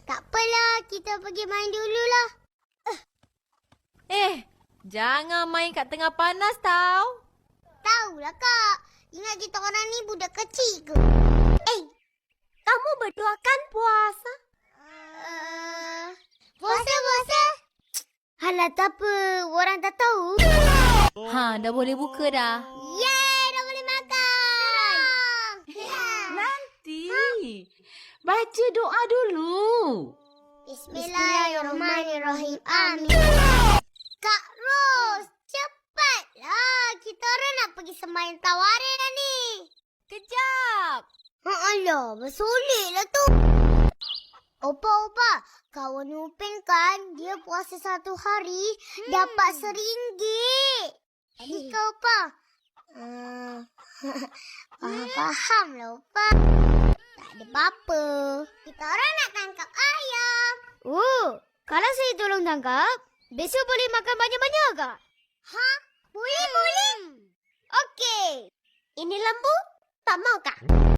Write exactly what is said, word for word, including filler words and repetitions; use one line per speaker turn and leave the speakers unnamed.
Tak apalah, kita pergi main dululah.
Eh, jangan main kat tengah panas tau.
Tahulah kak, ingat kita orang ni budak kecil ke?
Eh, kamu berdua kan puasa?
Uh, puasa, puasa. Halah, tak apa. Orang tak tahu.
Ha, dah boleh buka dah.
Yeay, dah boleh makan.
Nanti. Baca doa dulu.
Bismillahirrahmanirrahim. Amin. Kak Ros, cepatlah. Kita orang nak pergi sembahyang tawarin dah ni.
Kejap.
Alah, bersoleklah tu. Opa-opa, kawan Upin kan, dia puasa satu hari, hmm. dapat seringgit. Jadi kau, Opa? Uh, faham lah, Opa. Tak ada apa-apa. Kita orang nak tangkap ayam.
Oh, kalau saya tolong tangkap, besok boleh makan banyak-banyak ke?
Ha? Boleh, hmm. boleh.
Okey. Ini lembu, tak mau kah?